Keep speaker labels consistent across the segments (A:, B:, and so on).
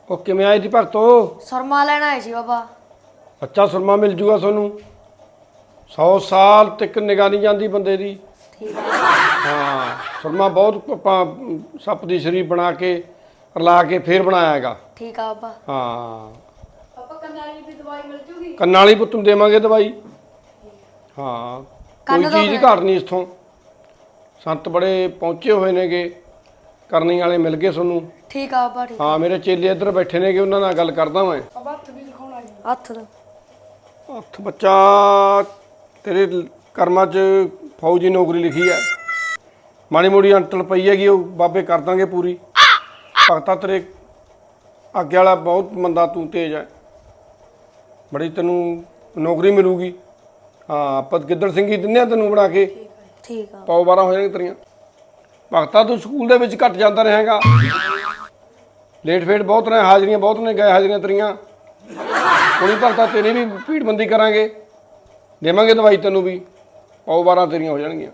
A: ਉਹ ਕਿਵੇਂ ਆਏ ਜੀ ਭਗਤੋ?
B: ਸੁਰਮਾ ਲੈਣ ਆਏ ਸੀ ਬਾਬਾ।
A: ਅੱਛਾ ਸੁਰਮਾ ਮਿਲ ਜੂਗਾ ਤੁਹਾਨੂੰ। 100 ਸਾਲ ਤੱਕ ਨਿਗਾਹ ਨਹੀਂ ਜਾਂਦੀ ਬੰਦੇ ਦੀ।
B: ਠੀਕ ਹੈ।
A: ਹਾਂ ਸੁਰਮਾ ਬਹੁਤ ਆਪਾਂ ਸੱਪ ਦੀ ਸ਼ਰੀਰ ਬਣਾ ਕੇ ਰਲਾ ਕੇ ਫੇਰ ਬਣਾਇਆ ਹੈਗਾ।
B: ਠੀਕ ਆ ਬਾਬਾ।
A: ਹਾਂ
B: ਪਾਪਾ ਕੰਨਾਂ ਵਾਲੀ ਵੀ ਦਵਾਈ ਮਿਲ ਜੂਗੀ?
A: ਕੰਨਾਂ ਵਾਲੀ ਪੁੱਤ ਨੂੰ ਦੇਵਾਂਗੇ ਦਵਾਈ। ਹਾਂ ਕੋਈ ਚੀਜ਼ ਘੱਟ ਨਹੀਂ ਇਥੋਂ। ਸੰਤ ਬੜੇ ਪਹੁੰਚੇ ਹੋਏ ਨੇਗੇ, ਕਰਨੀ ਵਾਲੇ ਮਿਲ ਗਏ ਤੁਹਾਨੂੰ।
B: ਠੀਕ ਆ ਬਾਬਾ। ਠੀਕ
A: ਹਾਂ ਮੇਰੇ ਚੇਲੇ ਇੱਧਰ ਬੈਠੇ ਨੇਗੇ, ਉਹਨਾਂ ਨਾਲ ਗੱਲ ਕਰਦਾ ਮੈਂ।
B: ਹੱਥ ਵੀ ਦਿਖਾਉਣਾ ਜੀ। ਹੱਥ ਦਾ
A: ਹੱਥ ਬੱਚਾ ਤੇਰੇ ਕਰਮਾਂ 'ਚ ਫੌਜੀ ਨੌਕਰੀ ਲਿਖੀ ਹੈ। ਮਾੜੀ ਮੋੜੀ ਅੰਟਲ ਪਈ ਹੈਗੀ, ਉਹ ਬਾਬੇ ਕਰ ਦਾਂਗੇ ਪੂਰੀ। ਭਗਤਾ ਤੇਰੇ ਅੱਗੇ ਵਾਲਾ ਬਹੁਤ ਮੰਦਾ, ਤੂੰ ਤੇਜ਼ ਹੈ, ਬੜੀ ਤੈਨੂੰ ਨੌਕਰੀ ਮਿਲੂਗੀ। ਹਾਂ ਆਪਾਂ ਗਿੱਦੜ ਸਿੰਘੀ ਦਿੰਦੇ ਆ ਤੈਨੂੰ ਬਣਾ ਕੇ।
B: ਠੀਕ ਆ।
A: 100-12 ਹੋ ਜਾਣਗੇ ਤੇਰੀਆਂ। ਭਗਤਾ ਤੂੰ ਸਕੂਲ ਦੇ ਵਿੱਚ ਘੱਟ ਜਾਂਦਾ ਰਹੇਗਾ, ਲੇਟ ਫੇਟ ਬਹੁਤ ਨੇ, ਹਾਜ਼ਰੀਆਂ ਬਹੁਤ ਨੇ, ਗਏ ਹਾਜ਼ਰੀਆਂ ਤੇਰੀਆਂ। ਹੁਣੀ ਭਗਤਾ ਤੇਰੀ ਵੀ ਭੀੜਬੰਦੀ ਕਰਾਂਗੇ, ਦੇਵਾਂਗੇ ਦਵਾਈ ਤੈਨੂੰ ਵੀ, 100-12 ਤੇਰੀਆਂ ਹੋ ਜਾਣਗੀਆਂ।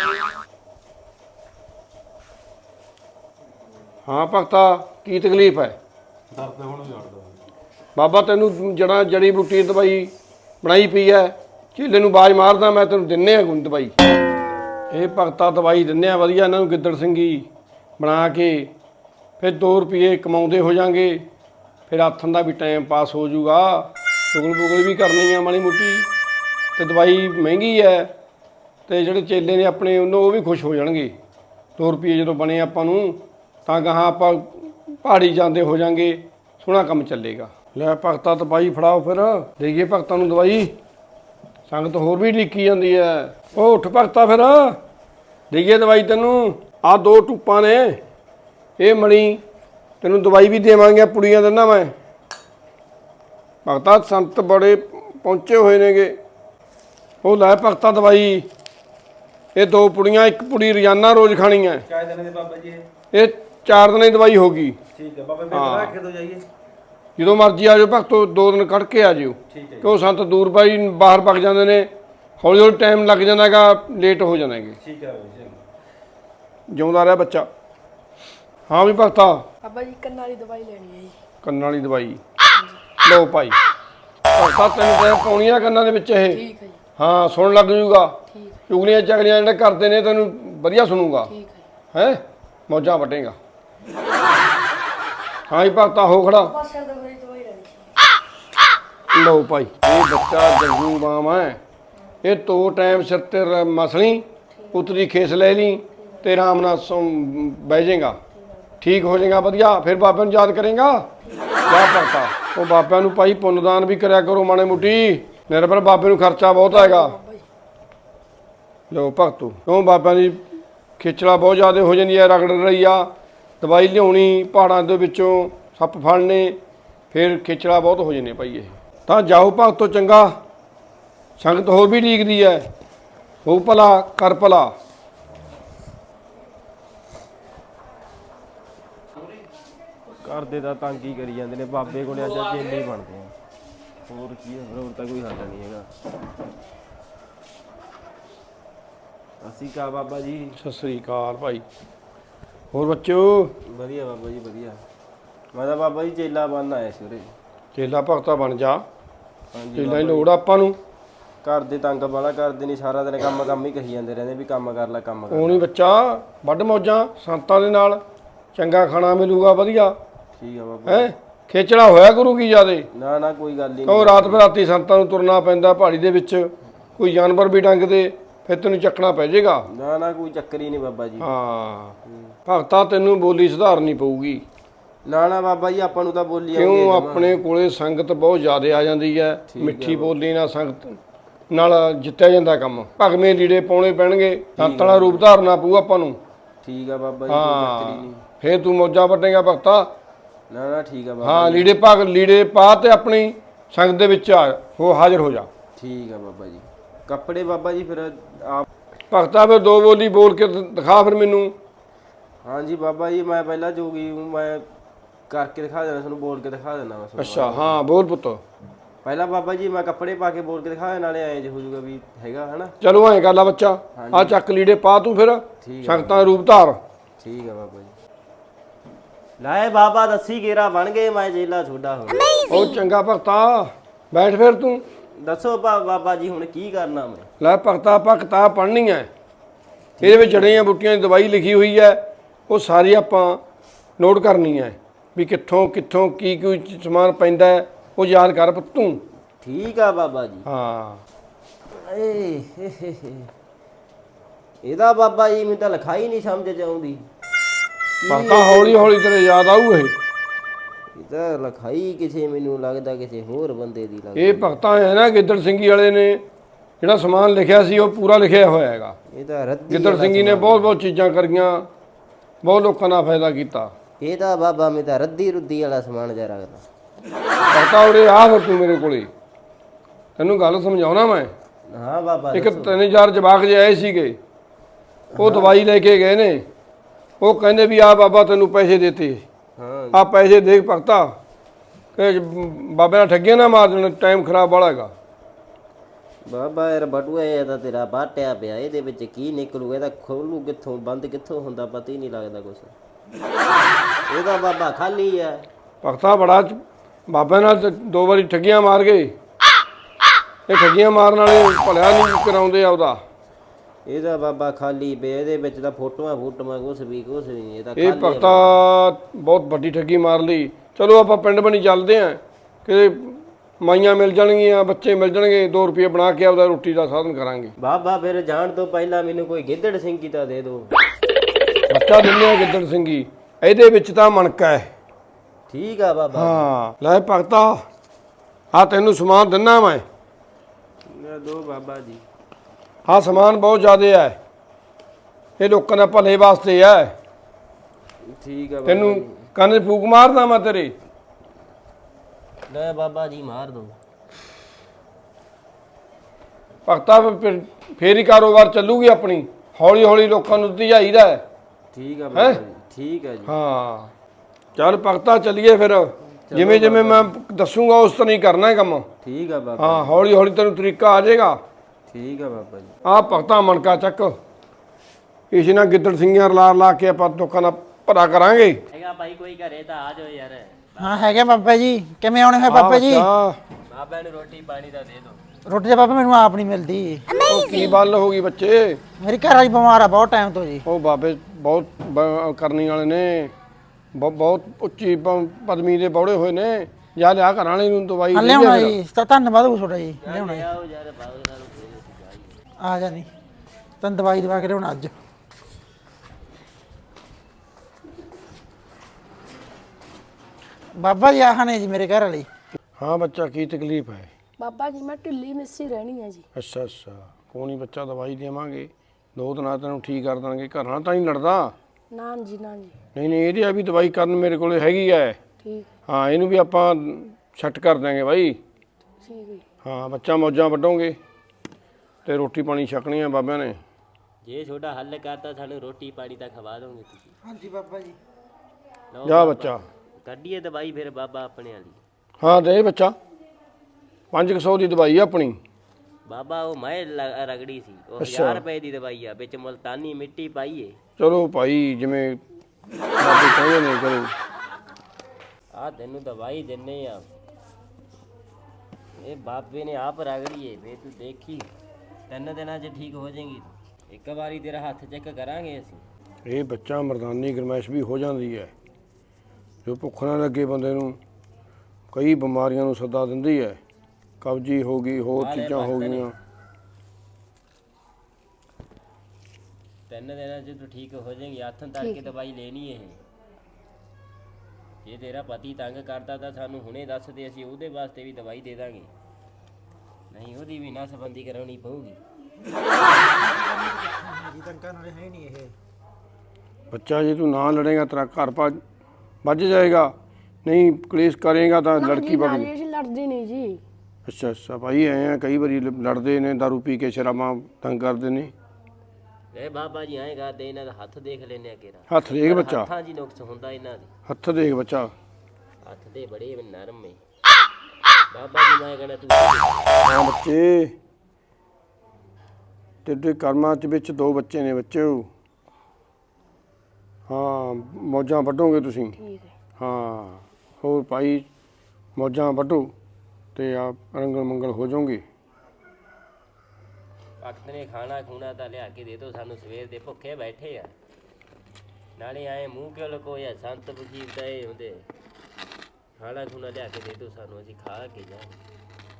A: ਹਾਂ ਭਗਤਾ ਕੀ ਤਕਲੀਫ ਹੈ?
C: ਦਰਦ ਹੁਣ ਛੱਡਦਾ
A: ਬਾਬਾ ਤੈਨੂੰ ਜੜੀ ਬੂਟੀ ਦਵਾਈ ਬਣਾਈ ਪਈ ਹੈ, ਚੇਲੇ ਨੂੰ ਬਾਜ਼ ਮਾਰਦਾ ਮੈਂ, ਤੈਨੂੰ ਦਿੰਨੇ ਆ ਦਵਾਈ। ਇਹ ਭਗਤਾ ਦਵਾਈ ਦਿੰਨੇ ਆ ਵਧੀਆ, ਇਹਨਾਂ ਨੂੰ ਗਿੱਦੜ ਸਿੰਘੀ ਬਣਾ ਕੇ ਫਿਰ 2 ਰੁਪਏ ਕਮਾਉਂਦੇ ਹੋ ਜਾਣਗੇ। ਫਿਰ ਆਥਣ ਦਾ ਵੀ ਟਾਈਮ ਪਾਸ ਹੋ ਜਾਊਗਾ, ਚੁਗਲ ਬੁਗਲ ਵੀ ਕਰਨੀ ਆ ਮਾੜੀ ਮੋਟੀ, ਅਤੇ ਦਵਾਈ ਮਹਿੰਗੀ ਹੈ। ਅਤੇ ਜਿਹੜੇ ਚੇਲੇ ਨੇ ਆਪਣੇ ਉਹ ਵੀ ਖੁਸ਼ ਹੋ ਜਾਣਗੇ। 2 ਰੁਪਏ ਜਦੋਂ ਬਣੇ ਆਪਾਂ ਨੂੰ, ਤਾਂ ਗਾਹਾਂ ਆਪਾਂ ਪਹਾੜੀ ਜਾਂਦੇ ਹੋ ਜਾਵਾਂਗੇ, ਸੋਹਣਾ ਕੰਮ ਚੱਲੇਗਾ। ਲੈ ਭਗਤਾ ਦਵਾਈ ਫੜਾਓ, ਫਿਰ ਦੇਈਏ ਭਗਤਾਂ ਨੂੰ ਦਵਾਈ। ਸੰਗਤ ਹੋਰ ਵੀ ਢੀਕੀ ਜਾਂਦੀ ਹੈ। ਉਹ ਉੱਠ ਭਗਤਾ, ਫਿਰ ਦੇਈਏ ਦਵਾਈ ਤੈਨੂੰ। ਆਹ 2 ਟੂਪਾਂ ਨੇ, ਇਹ ਮਣੀ ਤੈਨੂੰ ਦਵਾਈ ਵੀ ਦੇਵਾਂਗੇ, ਪੁੜੀਆਂ ਦਿੰਦਾ ਮੈਂ। ਭਗਤਾ ਸੰਤ ਬੜੇ ਪਹੁੰਚੇ ਹੋਏ ਨੇਗੇ। ਉਹ ਲੈ ਭਗਤਾ ਦਵਾਈ, ਇਹ 2 ਪੁੜੀਆਂ, 1 ਪੁੜੀ ਰੋਜ਼ਾਨਾ ਰੋਜ਼ ਖਾਣੀ ਹੈ।
C: ਕਿਆ ਦਿਨ ਦੇ ਬਾਬਾ ਜੀ
A: ਇਹ 4 ਦਿਨਾਂ ਦੀ ਦਵਾਈ ਹੋ ਗਈ।
C: ਠੀਕ ਹੈ ਬਾਬਾ, ਮੈਂ ਰੱਖ ਕੇ ਤੋਂ ਜਾਈਏ
A: ਜਦੋਂ ਮਰਜ਼ੀ ਆ ਜਾਓ ਭਗਤੋ, 2 ਦਿਨ ਕੱਢ ਕੇ ਆ ਜਿਓ,
C: ਠੀਕ ਹੈ।
A: ਕਿਉਂ ਸੰਤ ਦੂਰ ਭਾਈ ਬਾਹਰ ਪੱਕ ਜਾਂਦੇ ਨੇ, ਹੌਲੀ ਹੌਲੀ ਟਾਈਮ ਲੱਗ ਜਾਂਦਾ ਹੈਗਾ, ਲੇਟ ਹੋ ਜਾਣਗੇ।
C: ਠੀਕ ਹੈ ਬਾਬਾ ਜੀ।
A: ਜਿਉਂਦਾ ਰਿਹਾ ਬੱਚਾ। ਹਾਂ ਵੀ ਭਗਤਾ
B: ਬਾਬਾ ਜੀ ਕੰਨਾਂ ਵਾਲੀ ਦਵਾਈ ਲੈਣੀ ਹੈ ਜੀ।
A: ਕੰਨਾਂ ਵਾਲੀ ਦਵਾਈ ਲਓ ਭਾਈ। ਭਗਤਾ ਤੈਨੂੰ ਤਾਂ ਪਾਉਣੀ ਆ ਕੰਨਾਂ ਦੇ ਵਿੱਚ ਇਹ।
B: ਠੀਕ ਹੈ ਜੀ।
A: ਹਾਂ ਸੁਣ ਲੱਗ ਜੂਗਾ।
B: ਠੀਕ
A: ਚੁਗਲੀਆਂ ਚਗਲੀਆਂ ਜਿਹੜੇ ਕਰਦੇ ਨੇ ਤੈਨੂੰ ਵਧੀਆ ਸੁਣੂਗਾ।
B: ਠੀਕ ਹੈ।
A: ਹੈ ਮੌਜਾਂ ਵਟੇਗਾ। ਹਾਂ ਜੀ ਭਗਤਾ ਹੋ ਖੜਾ।
B: ਬਸ ਸਿਰ ਦਵਾਈ ਦਵਾਈ ਲੈਣੀ।
A: ਲਓ ਭਾਈ, ਇਹ ਬੱਚਾ ਜੱਗੂ ਮਾਮ ਹੈ, ਇਹ 2 ਟਾਈਮ ਸਿਰ ਤੇ ਮਸਲੀ ਪੁੱਤਰੀ ਖੇਸ ਲੈ ਲਈ ਤੇ ਆਰਾਮ ਨਾਲ ਬਹਿ ਜਾਏਗਾ, ਠੀਕ ਹੋ ਜਾਏਗਾ ਵਧੀਆ। ਫਿਰ ਬਾਬੇ ਨੂੰ ਯਾਦ ਕਰੇਗਾ। ਜਾ ਭਗਤਾ, ਉਹ ਬਾਬਿਆਂ ਨੂੰ ਭਾਈ ਪੁੰਨਦਾਨ ਵੀ ਕਰਿਆ ਕਰੋ ਮਾੜੇ ਮੋਟੀ, ਨਿਰਭਰ ਬਾਬੇ ਨੂੰ ਖਰਚਾ ਬਹੁਤ ਹੈਗਾ। ਲਓ ਭਗਤੂ, ਕਿਉਂ ਬਾਬਿਆਂ ਦੀ ਖੇਚਲਾ ਬਹੁਤ ਜ਼ਿਆਦਾ ਹੋ ਜਾਂਦੀ ਹੈ, ਰਗੜ ਰਹੀ ਆ। ਦਵਾਈ ਲਿਆਉਣੀ ਪਹਾੜਾਂ ਦੇ ਵਿੱਚੋਂ, ਸੱਪ ਫੜਨੇ, ਫਿਰ ਖੇਚਲਾ ਬਹੁਤ ਹੋ ਜਾਂਦੇ ਭਾਈ। ਇਹ ਤਾਂ ਜਾਓ ਭਗਤੋ, ਚੰਗਾ। ਸੰਗਤ ਹੋਰ ਵੀ ਡੀਕਦੀ ਹੈ, ਹੋ ਭਲਾ ਕਰ ਭਲਾ।
C: ਘਰ ਦੇ ਤਾਂ ਤੰਗ ਹੀ ਕਰੀ ਜਾਂਦੇ ਨੇ, ਬਾਬੇ ਕੋਲੇ ਅੱਜ ਚੇਲੇ ਹੀ ਬਣਦੇ ਆ। ਹੋਰ ਕੀ ਹੈ, ਹੋਰ ਤਾਂ ਕੋਈ ਹੱਲ ਨਹੀਂ ਹੈਗਾ। ਅਸੀਂ ਕਾ ਬਾਬਾ ਜੀ।
A: ਸਤਿ ਸ੍ਰੀ ਅਕਾਲ ਭਾਈ। ਹੋਰ ਬੱਚੋ?
C: ਵਧੀਆ ਬਾਬਾ ਜੀ ਵਧੀਆ। ਮੈਂ ਤਾਂ ਬਾਬਾ ਜੀ ਚੇਲਾ ਬਣਨ ਆਇਆ ਸੀ ਉਰੇ।
A: ਚੇਲਾ ਭਗਤਾ ਬਣ ਜਾ,
C: ਹਾਂਜੀ
A: ਚੇਲਾ ਹੀ ਲੋੜ ਆਪਾਂ ਨੂੰ।
C: ਘਰ ਦੇ ਤੰਗ ਬਾਲਾ ਕਰਦੇ ਨਹੀਂ, ਸਾਰਾ ਦਿਨ ਕੰਮ ਹੀ ਕਹੀ ਜਾਂਦੇ ਰਹਿੰਦੇ ਵੀ ਕੰਮ ਕਰ ਲੈ ਕੰਮ ਕਰ।
A: ਉਹ ਨਹੀਂ ਬੱਚਾ, ਵੱਡ ਮੌਜਾਂ ਸੰਤਾਂ ਦੇ ਨਾਲ, ਚੰਗਾ ਖਾਣਾ ਮਿਲੂਗਾ ਵਧੀਆ।
C: ਠੀਕ ਆ ਬਾਬਾ।
A: ਹੈ ਖੇਚਲਾ ਹੋਇਆ ਕਰੂਗੀ ਜਿਆਦੇ।
C: ਨਾ ਕੋਈ ਗੱਲ ਨਹੀਂ।
A: ਉਹ ਰਾਤ ਬਰਾਤੀ ਸੰਤਾਂ ਨੂੰ ਤੁਰਨਾ ਪੈਂਦਾ ਪਹਾੜੀ ਦੇ ਵਿੱਚ, ਕੋਈ ਜਾਨਵਰ ਵੀ ਡੰਗਦੇ, ਫਿਰ ਤੈਨੂੰ ਚੱਕਣਾ ਪੈ ਜਾਏਗਾ।
C: ਨਾ ਕੋਈ ਚੱਕਰ ਹੀ ਨਹੀਂ ਬਾਬਾ ਜੀ।
A: ਹਾਂ ਭਗਤਾ ਤੈਨੂੰ ਬੋਲੀ ਸੁਧਾਰਨੀ ਪਊਗੀ।
C: ਨਾ ਬਾਬਾ ਜੀ, ਆਪਾਂ ਨੂੰ ਤਾਂ ਬੋਲੀ ਆਉਂਦੀ
A: ਕਿਉਂ ਆਪਣੇ ਕੋਲੇ ਸੰਗਤ ਬਹੁਤ ਜ਼ਿਆਦਾ ਆ ਜਾਂਦੀ ਹੈ, ਮਿੱਠੀ ਬੋਲੀ ਨਾਲ ਸੰਗਤ ਨਾਲ ਜਿੱਤਿਆ ਜਾਂਦਾ ਕੰਮ। ਭਗਵੇਂ ਲੀੜੇ ਪਾਉਣੇ ਪੈਣਗੇ, ਸੰਤ ਵਾਲਾ ਰੂਪ ਧਾਰਨਾ ਪਊ ਆਪਾਂ ਨੂੰ।
C: ਠੀਕ ਆ ਬਾਬਾ ਜੀ, ਕੋਈ ਚੱਕਰ ਹੀ ਨਹੀਂ।
A: ਫੇਰ ਤੂੰ ਮੌਜਾਂ ਵੱਟੇਗਾ ਭਗਤਾ।
C: ਨਾ ਠੀਕ ਆ ਬਾਬਾ।
A: ਹਾਂ ਲੀੜੇ ਪਾ ਤੇ ਆਪਣੀ ਸੰਗਤ ਦੇ ਵਿੱਚ ਹਾਜ਼ਰ ਹੋ ਜਾ।
C: ਠੀਕ ਆ ਬਾਬਾ ਜੀ। ਕੱਪੜੇ ਬਾਬਾ ਜੀ ਫਿਰ ਆਪ
A: ਭਗਤਾ ਫਿਰ 2 ਬੋਲੀ ਬੋਲ ਕੇ ਦਿਖਾ ਫਿਰ ਮੈਨੂੰ।
C: ਹਾਂਜੀ ਬਾਬਾ ਜੀ, ਮੈਂ ਪਹਿਲਾਂ ਜੋਗੀ ਹੂੰ, ਮੈਂ ਕਰਕੇ ਦਿਖਾ ਦੇਣਾ ਤੁਹਾਨੂੰ, ਬੋਲ ਕੇ ਦਿਖਾ ਦੇਣਾ ਬਸ।
A: ਅੱਛਾ ਹਾਂ ਬੋਲ ਪੁੱਤ।
C: ਪਹਿਲਾਂ ਬਾਬਾ ਜੀ ਮੈਂ ਕੱਪੜੇ ਪਾ ਕੇ ਬੋਲ ਕੇ ਦਿਖਾ ਦੇਣਾ, ਨਾਲੇ ਐਂ ਜੇ ਹੋ ਜਾਊਗਾ ਵੀ ਹੈਗਾ ਹਨਾ।
A: ਚਲੋ ਐਂ ਕਰ ਲਾ ਬੱਚਾ, ਆ ਚੱਕ ਲੀੜੇ ਪਾ ਤੂੰ, ਫਿਰ ਸੰਗਤਾਂ ਦਾ ਰੂਪ ਧਾਰ।
C: ਠੀਕ ਆ ਬਾਬਾ ਜੀ। ਲੈ ਬਾਬਾ ਦੱਸੀ ਗੇਰਾ ਬਣ ਗਏ ਮੈਂ ਜੇਲਾ ਛੋਡਾ ਹੁਣ
A: ਉਹ ਚੰਗਾ ਭਗਤਾ ਬੈਠ ਫਿਰ ਤੂੰ।
C: ਦੱਸੋ ਬਾਬਾ ਜੀ ਹੁਣ ਕੀ ਕਰਨਾ ਮੈਂ?
A: ਲੈ ਭਗਤਾ ਆਪਾਂ ਕਿਤਾਬ ਪੜ੍ਹਨੀ ਹੈ, ਇਹਦੇ ਵਿੱਚ ਜੜੀਆਂ ਬੂਟੀਆਂ ਦੀ ਦਵਾਈ ਲਿਖੀ ਹੋਈ ਹੈ, ਉਹ ਸਾਰੀ ਆਪਾਂ ਨੋਟ ਕਰਨੀ ਹੈ ਵੀ ਕਿੱਥੋਂ ਕਿੱਥੋਂ ਕੀ ਕੀ ਸਮਾਨ ਪੈਂਦਾ ਹੈ, ਉਹ ਯਾਦ ਕਰ ਪੁੱਤ ਤੂੰ।
C: ਠੀਕ ਆ ਬਾਬਾ ਜੀ।
A: ਹਾਂ
C: ਇਹਦਾ ਬਾਬਾ ਜੀ ਮੈਨੂੰ ਤਾਂ ਲਿਖਾਈ ਨਹੀਂ ਸਮਝ ਚ ਆਉਂਦੀ।
A: ਭਗਤਾ ਹੌਲੀ ਹੌਲੀ ਤੇਰੇ ਯਾਦ ਆਊ ਇਹ।
C: ਇਹ ਤਾਂ ਲਿਖਾਈ ਕਿਸੇ ਮੈਨੂੰ ਲੱਗਦਾ ਕਿਸੇ ਹੋਰ ਬੰਦੇ ਦੀ ਲੱਗਦੀ।
A: ਇਹ ਭਗਤਾਂ ਹੈ ਨਾ ਗਿੱਦੜ ਸਿੰਘੀ ਵਾਲੇ ਨੇ ਜਿਹੜਾ ਸਮਾਨ ਲਿਖਿਆ ਸੀ ਉਹ ਪੂਰਾ ਲਿਖਿਆ ਹੋਇਆ ਹੈਗਾ।
C: ਇਹ ਤਾਂ ਰੱਦੀ
A: ਗਿੱਦੜ ਸਿੰਘੀ ਨੇ ਬਹੁਤ ਬਹੁਤ ਚੀਜ਼ਾਂ ਕਰੀਆਂ, ਬਹੁਤ ਲੋਕਾਂ ਦਾ ਫਾਇਦਾ ਕੀਤਾ।
C: ਇਹ ਤਾਂ ਬਾਬਾ ਮੈਂ ਤਾਂ ਰੱਦੀ ਰੁੱਦੀ ਵਾਲਾ ਸਮਾਨ ਜਾ ਰੱਖਦਾ।
A: ਭਗਤਾ ਉਰੇ ਆ ਫਿਰ ਤੂੰ ਮੇਰੇ ਕੋਲੇ, ਤੈਨੂੰ ਗੱਲ ਸਮਝਾਉਣਾ ਮੈਂ।
C: ਹਾਂ ਬਾਬਾ
A: ਇੱਕ 3000 ਜਵਾਕ ਜੇ ਆਏ ਸੀਗੇ, ਉਹ ਦਵਾਈ ਲੈ ਕੇ ਗਏ ਨੇ, ਉਹ ਕਹਿੰਦੇ ਵੀ ਆ ਬਾਬਾ ਤੈਨੂੰ ਪੈਸੇ ਦਿੱਤੇ,
C: ਹਾਂ
A: ਆ ਪੈਸੇ ਦੇਖ ਭਗਤਾ ਕਿ ਬਾਬੇ ਨਾਲ ਠੱਗੀਆਂ ਨਾ ਮਾਰ ਦੇਣ, ਟਾਈਮ ਖਰਾਬ ਵਾਲਾ ਹੈਗਾ।
C: ਬਾਬਾ ਯਾਰ ਬਟੂਆ ਇਹ ਤਾਂ ਤੇਰਾ ਬਾਟਿਆ ਪਿਆ, ਇਹਦੇ ਵਿੱਚ ਕੀ ਨਿਕਲੂ? ਇਹਦਾ ਖੋਲੂ ਕਿੱਥੋਂ ਬੰਦ ਕਿੱਥੋਂ ਹੁੰਦਾ ਪਤਾ ਹੀ ਨਹੀਂ ਲੱਗਦਾ ਕੁਛ। ਇਹਦਾ ਬਾਬਾ ਖਾਲੀ ਹੈ।
A: ਭਗਤਾ ਬੜਾ ਬਾਬੇ ਨਾਲ ਤੇ 2 ਵਾਰੀ ਠੱਗੀਆਂ ਮਾਰ ਗਏ, ਇਹ ਠੱਗੀਆਂ ਮਾਰਨ ਵਾਲੇ ਭਲਿਆ ਨਹੀਂ ਕਰਾਉਂਦੇ ਆਪਦਾ।
C: ਇਹਦਾ ਬਾਬਾ ਖਾਲੀ ਪਏ, ਇਹਦੇ ਵਿੱਚ ਤਾਂ ਫੋਟੋਆਂ ਕੁਛ ਵੀ ਨਹੀਂ। ਇਹ ਤਾਂ
A: ਇਹ ਭਗਤਾ ਬਹੁਤ ਵੱਡੀ ਠੱਗੀ ਮਾਰ ਲਈ। ਚਲੋ ਆਪਾਂ ਪਿੰਡ ਬਣੀ ਚੱਲਦੇ ਆਂ, ਕਿ ਮਾਈਆਂ ਮਿਲ ਜਾਣਗੀਆਂ, ਬੱਚੇ ਮਿਲ ਜਾਣਗੇ, 2 ਰੁਪਏ ਬਣਾ ਕੇ ਆਪਦਾ ਰੋਟੀ ਦਾ ਸਾਧਨ ਕਰਾਂਗੇ।
C: ਬਾਬਾ ਫਿਰ ਜਾਣ ਤੋਂ ਪਹਿਲਾਂ ਮੈਨੂੰ ਕੋਈ ਗਿੱਦੜ ਸਿੰਘੀ ਤਾਂ ਦੇ ਦਿਓ।
A: ਬੱਚਾ ਦਿੰਦੇ ਆ ਗਿੱਦੜ ਸਿੰਘੀ, ਇਹਦੇ ਵਿੱਚ ਤਾਂ ਮਣਕਾ ਹੈ।
C: ਠੀਕ ਆ ਬਾਬਾ।
A: ਹਾਂ ਲੈ ਭਗਤਾ ਆ ਤੈਨੂੰ ਸਮਾਨ ਦਿੰਨਾ ਮੈਂ।
C: ਦੋ ਬਾਬਾ ਜੀ।
A: ਹਾਂ ਸਮਾਨ ਬਹੁਤ ਜ਼ਿਆਦਾ ਹੈ, ਇਹ ਲੋਕਾਂ ਦੇ ਭਲੇ ਵਾਸਤੇ ਹੈ।
C: ਠੀਕ ਆ
A: ਤੈਨੂੰ ਕੰਨ 'ਚ ਫੂਕ ਮਾਰਦਾ ਮੈਂ ਤੇਰੇ।
C: ਲੈ ਬਾਬਾ ਜੀ ਮਾਰ ਦੋ।
A: ਭਗਤਾ ਫੇਰ ਹੀ ਕਾਰੋਬਾਰ ਚੱਲੂਗੀ ਆਪਣੀ, ਹੌਲੀ ਹੌਲੀ ਲੋਕਾਂ ਨੂੰ ਧਿਆਈਦਾ ਹੈ।
C: ਠੀਕ ਆ ਬਾਬਾ ਜੀ। ਠੀਕ ਆ ਜੀ।
A: ਹਾਂ ਚੱਲ ਭਗਤਾ ਚੱਲੀਏ ਫਿਰ, ਜਿਵੇਂ ਜਿਵੇਂ ਮੈਂ ਦੱਸੂਗਾ ਉਸ ਤਰ੍ਹਾਂ ਹੀ ਕਰਨਾ ਹੈ ਕੰਮ।
C: ਠੀਕ ਆ ਬਾਬਾ।
A: ਹਾਂ ਹੌਲੀ ਹੌਲੀ ਤੈਨੂੰ ਤਰੀਕਾ ਆ ਜਾਏਗਾ।
C: ਠੀਕ ਆ ਬਾਬਾ ਜੀ।
A: ਆਹ ਭਗਤਾ ਮਣਕਾ ਚੱਕ, ਇਸ ਨਾਲ ਗਿੱਦੜ ਸਿੰਘਾਂ ਲਾ ਕੇ ਆਪਾਂ ਲੋਕਾਂ ਦਾ ਭਲਾ ਕਰਾਂਗੇ।
C: ਹੈਗਾ ਭਾਈ ਕੋਈ ਘਰੇ ਤਾਂ ਆ ਜਾਓ ਯਾਰ।
D: ਹਾਂ ਹੈਗੇ ਬਾਬਾ ਜੀ। ਕਿਵੇਂ ਆਉਣੇ ਹੋਏ ਬਾਬਾ ਜੀ?
C: ਬਾਬਾ ਨੂੰ ਰੋਟੀ ਪਾਣੀ ਦਾ ਦੇ ਦਿਓ।
D: ਰੋਟੀ ਤਾਂ ਬਾਬਾ ਮੈਨੂੰ ਆਪ ਨਹੀਂ ਮਿਲਦੀ।
A: ਉਹ ਕੀ ਗੱਲ ਹੋ ਗਈ ਬੱਚੇ?
D: ਮੇਰੀ ਘਰ ਵਾਲੀ ਬਿਮਾਰ ਆ ਬਹੁਤ ਟਾਈਮ ਤੋਂ ਜੀ।
A: ਉਹ ਬਾਬੇ ਬਹੁਤ ਕਰਨੀ ਵਾਲੇ ਨੇ, ਬਹੁਤ ਉੱਚੀ ਪਦਮੀ ਦੇ ਬੌੜੇ ਹੋਏ ਨੇ। ਜਾ ਲਿਆ ਘਰਾਂ ਵਾਲੇ ਨੂੰ ਦਵਾਈ
D: ਹਾਂ ਲਿਆਉਣਾ ਜੀ, ਤਾਂ ਧੰਨਵਾਦ ਹੋ ਤੁਹਾਡਾ ਜੀ। ਲਿਆਉਣਾ ਜੀ,
C: ਆਓ ਯਾਰ ਬਾਬਾ ਨਾਲ
D: ਆ ਜਾ ਨਹੀਂ ਤੈਨੂੰ ਦਵਾਈ ਦਵਾ ਕੇ ਲਿਆਉਣਾ ਅੱਜ। ਬਾਬਾ ਜੀ ਆਹ ਨੇ ਜੀ ਮੇਰੇ ਘਰ ਵਾਲੀ।
A: ਹਾਂ ਬੱਚਾ ਕੀ ਤਕਲੀਫ ਹੈ?
B: ਬਾਬਾ ਜੀ ਮੈਂ ਢਿੱਲੀ ਮਿੱਸੀ ਰਹਿਣੀ ਹੈ ਜੀ।
A: ਅੱਛਾ ਅੱਛਾ ਕੋਈ ਨਹੀਂ ਬੱਚਾ, ਦਵਾਈ ਦੇਵਾਂਗੇ, 2 ਦਿਨਾਂ ਤੈਨੂੰ ਠੀਕ ਕਰ ਦਾਂਗੇ। ਘਰ ਨਾਲ ਤਾਂ ਹੀ ਲੜਦਾ?
B: ਨਾ ਜੀ ਨਾ ਜੀ।
A: ਨਹੀਂ ਨਹੀਂ ਇਹਦੀ ਆ ਵੀ ਦਵਾਈ ਕਰਨ ਮੇਰੇ ਕੋਲੇ ਹੈਗੀ ਹੈ।
B: ਠੀਕ
A: ਹਾਂ ਇਹਨੂੰ ਵੀ ਆਪਾਂ ਸੈੱਟ ਕਰ ਦਾਂਗੇ ਬਾਈ।
B: ਠੀਕ ਹੈ ਜੀ।
A: ਹਾਂ ਬੱਚਾ ਮੌਜਾਂ ਵੱਢੋਗੇ ਤੇ ਰੋਟੀ ਪਾਣੀ ਛਕਣੀ ਆ ਬਾਬਿਆਂ ਨੇ।
C: ਜੇ ਛੋਟਾ ਹੱਲ ਕਰਤਾ ਸਾਨੂੰ ਰੋਟੀ ਪਾਣੀ ਤਾਂ ਖਵਾ ਦੋਗੇ ਤੁਸੀਂ।
D: ਹਾਂਜੀ ਬਾਬਾ ਜੀ।
C: ਲਓ
A: ਜਾ ਬੱਚਾ
C: ਕੱਢੀਏ ਦਵਾਈ ਫਿਰ ਬਾਬਾ ਆਪਣੇ ਵਾਲੀ।
A: ਹਾਂ ਦੇ ਬੱਚਾ, 500 ਦੀ ਦਵਾਈ ਆ ਆਪਣੀ।
C: ਬਾਬਾ ਉਹ ਮੈਂ ਰਗੜੀ ਸੀ, ਉਹ 1000 ਰੁਪਏ ਦੀ ਦਵਾਈ ਆ, ਵਿੱਚ ਮੁਲਤਾਨੀ ਮਿੱਟੀ ਪਾਈਏ।
A: ਚਲੋ ਭਾਈ ਜਿਵੇਂ ਬਾਬੇ ਕਹਿੰਦੇ ਨੇ ਕਰੋ।
C: ਆ ਤੈਨੂੰ ਦਵਾਈ ਦਿੰਨੇ ਆ, ਇਹ ਬਾਬੇ ਨੇ ਆਪ ਰਗੜੀਏ ਵੇ, ਤੂੰ ਦੇਖੀ 3 ਦਿਨਾਂ 'ਚ ਠੀਕ ਹੋ ਜਾਏਗੀ। ਇੱਕ ਵਾਰੀ ਤੇਰਾ ਹੱਥ ਚੈੱਕ ਕਰਾਂਗੇ ਅਸੀਂ।
A: ਇਹ ਬੱਚਾ ਮਰਦਾਨੀ ਗਰਮੈਸ਼ ਵੀ ਹੋ ਜਾਂਦੀ ਹੈ, ਜੋ ਭੁੱਖ ਨਾ ਲੱਗੇ ਬੰਦੇ ਨੂੰ ਕਈ ਬਿਮਾਰੀਆਂ ਨੂੰ ਸੱਦਾ ਦਿੰਦੀ ਹੈ। ਕਬਜੀ ਹੋ ਗਈ, ਹੋਰ ਚੀਜ਼ਾਂ ਹੋ ਗਈਆਂ।
C: 3 ਦਿਨਾਂ 'ਚ ਤੂੰ ਠੀਕ ਹੋ ਜਾਏਗੀ। ਹੱਥ ਧਰ ਕੇ ਦਵਾਈ ਲੈਣੀ ਇਹ। ਜੇ ਤੇਰਾ ਪਤੀ ਤੰਗ ਕਰਦਾ ਤਾਂ ਸਾਨੂੰ ਹੁਣੇ ਦੱਸ ਦੇ, ਅਸੀਂ ਉਹਦੇ ਵਾਸਤੇ ਵੀ ਦਵਾਈ ਦੇ ਦਾਂਗੇ, ਨਹੀਂ ਉਹਦੀ ਵੀ ਨਸਬੰਦੀ ਕਰਾਉਣੀ ਪਊਗੀ।
A: ਬੱਚਾ ਜੇ ਤੂੰ ਨਾ ਲੜੇਗਾ ਤੇਰਾ ਘਰ ਵੱਜ ਜਾਏਗਾ, ਨਹੀਂ ਕਲੇਸ਼ ਕਰੇਗਾ ਤਾਂ ਲੜਕੀ
B: ਨਾ
A: ਬਣ।
B: ਜੀ ਅਸੀਂ ਲੜਦੇ ਨਹੀਂ ਜੀ।
A: ਅੱਛਾ ਅੱਛਾ ਭਾਈ ਐ ਆ ਕਈ ਵਾਰੀ ਲੜਦੇ ਨੇ, ਦਾਰੂ ਪੀ ਕੇ ਸ਼ਰਾਬਾਂ ਤੰਗ ਕਰਦੇ ਨੇ।
C: ਇਹ ਬਾਬਾ ਜੀ ਆਏ ਕਰਦੇ, ਇਹਨਾਂ ਦਾ ਹੱਥ ਦੇਖ ਲੈਨੇ ਆ ਕਿਹੜਾ।
A: ਹੱਥ ਦੇਖ ਬੱਚਾ,
C: ਹੱਥਾਂ 'ਚ ਹੀ ਨੁਕਸ ਹੁੰਦਾ ਇਹਨਾਂ ਦੇ।
A: ਹੱਥ ਦੇਖ ਬੱਚਾ।
C: ਹੱਥ ਦੇ ਬੜੇ ਨਰਮ ਏ ਬਾਬਾ ਜੀ। ਮੈਂ ਕਹਿੰਦਾ ਤੂੰ
A: ਹਾਂ ਬੱਚੇ, ਤੇਰੇ ਕਰਮਾਂ ਚ ਵਿੱਚ 2 ਬੱਚੇ ਨੇ ਬੱਚੇ। ਹਾਂ ਮੌਜਾਂ ਵੱਢੋਗੇ ਤੁਸੀਂ।
B: ਠੀਕ ਹੈ।
A: ਹਾਂ ਹੋਰ ਭਾਈ ਮੌਜਾਂ ਵੱਢੋ ਤੇ ਆ ਰੰਗਲ ਮੰਗਲ ਹੋ ਜਾਓਗੇ।
C: ਵਕਤ ਨੇ ਖਾਣਾ ਖੂਣਾ ਤਾਂ ਲਿਆ ਕੇ ਦੇ ਦਿਓ ਸਾਨੂੰ, ਸਵੇਰ ਦੇ ਭੁੱਖੇ ਬੈਠੇ ਆ। ਨਾਲੇ ਆਏ ਮੂੰਹ ਕਿਉਂ ਲਕੋਇਆ, ਸੰਤ ਵਕੀਲ ਤਾਂ ਇਹ ਹੁੰਦੇ। ਖਾਣਾ ਖੂਣਾ ਲਿਆ ਕੇ ਦੇ ਦਿਓ ਸਾਨੂੰ, ਅਸੀਂ ਖਾ ਕੇ ਜਾਵਾਂਗੇ।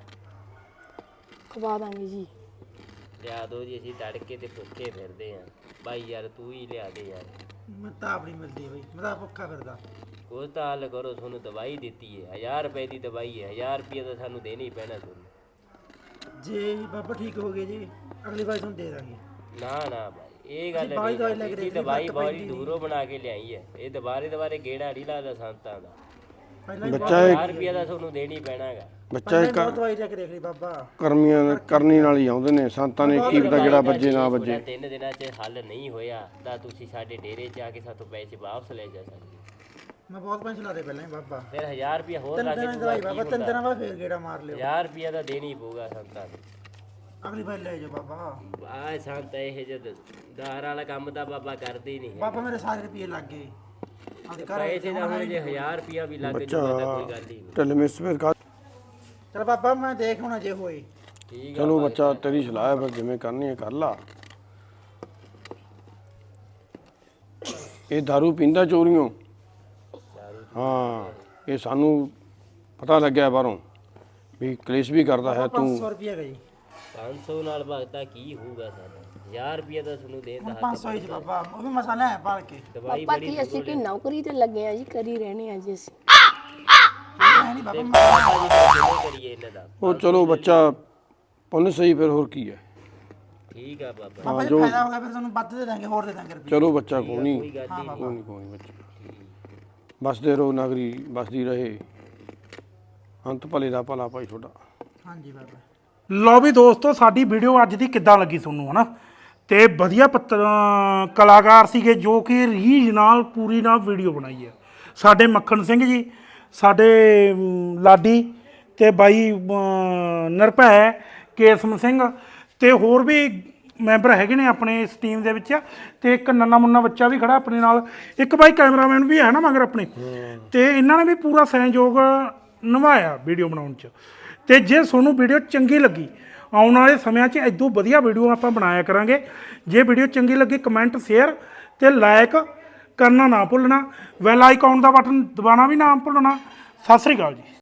B: ਖਵਾ ਦਾਂਗੇ ਜੀ।
C: ਲਿਆ ਦਿਓ ਜੀ, ਅਸੀਂ ਤੜਕੇ ਤੇ ਭੁੱਖੇ ਫਿਰਦੇ ਆ। ਬਾਈ ਯਾਰ ਤੂੰ ਹੀ ਲਿਆ ਦੇ ਯਾਰ।
D: ਮੈਂ ਤਾਂ ਆਪਣੀ ਮਿਲਦੀ ਬਈ, ਮੈਂ ਤਾਂ ਭੁੱਖਾ ਫਿਰਦਾ।
C: ਕੁਛ ਤਾਂ ਹੱਲ ਕਰੋ, ਤੁਹਾਨੂੰ ਦਵਾਈ ਦਿੱਤੀ ਹੈ 1000 ਰੁਪਏ ਦੀ ਦਵਾਈ ਹੈ, 1000 ਰੁਪਏ ਤਾਂ ਸਾਨੂੰ ਦੇਣਾ ਹੀ ਪੈਣਾ ਤੁਹਾਨੂੰ।
D: ਜੇ ਬਾਬਾ ਠੀਕ ਹੋ ਗਏ ਜੀ ਅਗਲੀ ਵਾਰ ਤੁਹਾਨੂੰ ਦੇ ਦਾਂਗੇ।
C: ਨਾ ਬਾਈ ਇਹ ਗੱਲ
D: ਬਾਈ ਦਵਾਈ ਲੈ ਕੇ
C: ਨਹੀਂ, ਦਵਾਈ ਬੜੀ ਦੂਰੋਂ ਬਣਾ ਕੇ ਲਿਆਈ ਹੈ। ਇਹ ਦੁਬਾਰੇ ਗੇੜਾ ਨਹੀਂ ਲਾਦਾ ਸੰਤਾਂ ਦਾ।
D: ਪਹਿਲਾਂ
A: ਬੱਚਾ
C: 1000 ਰੁਪਏ ਦਾ ਤੁਹਾਨੂੰ ਦੇਣਾ ਹੀ ਪੈਣਾ ਹੈਗਾ।
A: ਬੱਚਾ ਇੱਕ
D: ਬਹੁਤ ਦਵਾਈ ਲੈ ਕੇ ਦੇਖ ਲਈ ਬਾਬਾ।
A: ਕਰਮੀਆਂ ਕਰਨੀ ਨਾਲ ਹੀ ਆਉਂਦੇ ਨੇ ਸੰਤਾਂ ਨੇ, ਕੀ ਪਤਾ ਜਿਹੜਾ ਵੱਜੇ ਨਾ ਵੱਜੇ।
C: 3 ਦਿਨਾਂ 'ਚ ਹੱਲ ਨਹੀਂ ਹੋਇਆ ਤਾਂ ਤੁਸੀਂ ਸਾਡੇ ਡੇਰੇ 'ਚ ਆ ਕੇ ਸਾਥੋਂ ਪੈਸੇ ਵਾਪਸ ਲੈ ਜਾ ਸਕਦੇ।
D: ਮੈਂ ਬਹੁਤ ਪੈਸੇ ਲਾ ਦੇ ਪਹਿਲਾਂ ਹੀ ਬਾਬਾ।
C: ਫਿਰ 1000 ਰੁਪਏ ਹੋਰ ਲਾ ਕੇ
D: ਦਵਾਈ ਬਾਬਾ 3 ਦਿਨਾਂ ਬਾਅਦ ਫੇਰ ਗੇੜਾ ਮਾਰ ਲਿਓ।
C: 1000 ਰੁਪਏ ਦਾ ਦੇਣਾ ਹੀ ਪਊਗਾ ਸੰਤਾਂ ਨੂੰ।
D: ਅਗਲੀ ਵਾਰ ਲੈ ਜਾਓ ਬਾਬਾ।
C: ਆ ਸੰਤ ਇਹ ਜਦ ਦਾਰ ਵਾਲਾ ਕੰਮ ਤਾਂ ਬਾਬਾ ਕਰਦੇ ਹੀ ਨਹੀਂ ਹੈ।
D: ਬਾਬਾ ਮੇਰੇ ਸਾਰੇ ਰੁਪਏ ਲੱਗ ਗਏ ਆਪਦੇ ਘਰ।
C: ਪੈਸੇ ਦਾ ਹੁਣ ਜੇ 1000 ਰੁਪਿਆ ਵੀ ਲੱਗ ਜੂਗਾ ਤਾਂ ਕੋਈ ਗੱਲ ਹੀ ਨਹੀਂ।
A: ਢਿੱਲ ਮਿਸ ਫਿਰ ਕਾ
D: ਚਲ ਬਾਬਾ ਮੈਂ ਦੇਖ ਹੁਣ ਜੇ ਹੋਏ।
C: ਠੀਕ ਆ
A: ਚਲੋ ਬੱਚਾ ਤੇਰੀ ਸਲਾਹ ਹੈ, ਫਿਰ ਜਿਵੇਂ ਕਰਨੀ ਹੈ ਕਰ ਲਾ। ਇਹ दारू ਪੀਂਦਾ ਚੋਰੀਆਂ। ਹਾਂ ਇਹ ਸਾਨੂੰ ਪਤਾ ਲੱਗਿਆ ਬਾਹਰੋਂ ਵੀ ਕਲੇਸ਼ ਵੀ ਕਰਦਾ ਹੈ ਤੂੰ।
D: 500 ਰੁਪਏ ਗਈ।
C: 500 ਨਾਲ ਭਗਤਾ ਕੀ ਹੋਊਗਾ ਸਾਡਾ? 1000 ਰੁਪਿਆ ਤਾਂ ਤੁਹਾਨੂੰ ਦੇਣ ਦਾ ਹੱਕ
D: 500 ਹੀ ਬਾਬਾ, ਉਹ ਵੀ ਮਸਾਲਾ ਹੈ ਪਾਲ ਕੇ।
C: ਦਵਾਈ
B: ਪਾਪਾ
C: ਬੜੀ
B: ਕੀ ਅਸੀਂ ਕਿ ਨੌਕਰੀ ਤੇ ਲੱਗੇ ਆ ਜੀ, ਕਰੀ ਰਹਿਣੇ ਆ ਜੀ ਅਸੀਂ।
D: ਨਹੀਂ ਬਾਬਾ
C: ਜਿਵੇਂ ਕਰੀਏ ਇਹਨਾਂ ਦਾ।
A: ਉਹ ਚਲੋ ਬੱਚਾ ਪੁੰਨ ਸਹੀ, ਫਿਰ ਹੋਰ ਕੀ ਹੈ।
C: ਠੀਕ ਆ ਬਾਬਾ,
D: ਬਾਬਾ ਜੀ ਫਾਇਦਾ ਹੋ ਗਿਆ ਫਿਰ ਤੁਹਾਨੂੰ ਵੱਧ ਦੇ ਦਾਂਗੇ, ਹੋਰ ਦੇ ਦਾਂਗੇ ਰੁਪਏ।
A: ਚਲੋ ਬੱਚਾ ਕੋਈ ਨਹੀਂ,
C: ਕੋਈ ਗੱਲ ਹੀ ਨਹੀਂ।
A: ਕੋਈ ਨਹੀਂ ਬੱਚਾ ਬਸਦੇ ਰਹੋ, ਨਗਰੀ ਬਸਦੀ ਰਹੇ, ਅੰਤ ਭਲੇ ਦਾ ਭਲਾ ਭਾਈ ਤੁਹਾਡਾ।
D: ਹਾਂਜੀ ਬਾਬਾ।
E: ਲਓ ਵੀ ਦੋਸਤੋ, ਸਾਡੀ ਵੀਡੀਓ ਅੱਜ ਦੀ ਕਿੱਦਾਂ ਲੱਗੀ ਤੁਹਾਨੂੰ, ਹਨਾ? ਤੇ ਵਧੀਆ ਕਲਾਕਾਰ ਸੀਗੇ ਜੋ ਕਿ ਰੀਝ ਨਾਲ ਪੂਰੀ ਨਾਲ ਵੀਡੀਓ ਬਣਾਈ ਹੈ। ਸਾਡੇ ਮੱਖਣ ਸਿੰਘ ਜੀ, ਸਾਡੇ ਲਾਡੀ ਤੇ ਬਾਈ ਨਿਰਭੈ ਕੇਸਮ ਸਿੰਘ ਤੇ ਹੋਰ ਵੀ ਮੈਂਬਰ ਹੈਗੇ ਨੇ ਆਪਣੇ ਇਸ ਟੀਮ ਦੇ ਵਿੱਚ। ਤੇ ਇੱਕ ਨੰਨਾ ਮੁੰਨਾ ਬੱਚਾ ਵੀ ਖੜਾ ਆਪਣੇ ਨਾਲ, ਇੱਕ ਬਾਈ ਕੈਮਰਾਮੈਨ ਵੀ ਹੈ ਨਾ ਮਗਰ ਆਪਣੇ। ਤੇ ਇਹਨਾਂ ਨੇ ਵੀ ਪੂਰਾ ਸਹਿਯੋਗ ਨਿਭਾਇਆ ਵੀਡੀਓ ਬਣਾਉਣ 'ਚ। ਤੇ ਜੇ ਤੁਹਾਨੂੰ ਵੀਡੀਓ ਚੰਗੀ ਲੱਗੀ, ਆਉਣ ਵਾਲੇ ਸਮਿਆਂ 'ਚ ਇਦੋਂ ਵਧੀਆ ਵੀਡੀਓ ਆਪਾਂ ਬਣਾਇਆ ਕਰਾਂਗੇ। ਜੇ ਵੀਡੀਓ ਚੰਗੀ ਲੱਗੀ ਕਮੈਂਟ ਸ਼ੇਅਰ ਤੇ ਲਾਈਕ ਕਰਨਾ ਨਾ ਭੁੱਲਣਾ, ਬੈਲ ਆਈਕਨ ਦਾ ਬਟਨ ਦਬਾਉਣਾ ਵੀ ਨਾ ਭੁੱਲਣਾ। ਸਤਿ ਸ੍ਰੀ ਅਕਾਲ ਜੀ।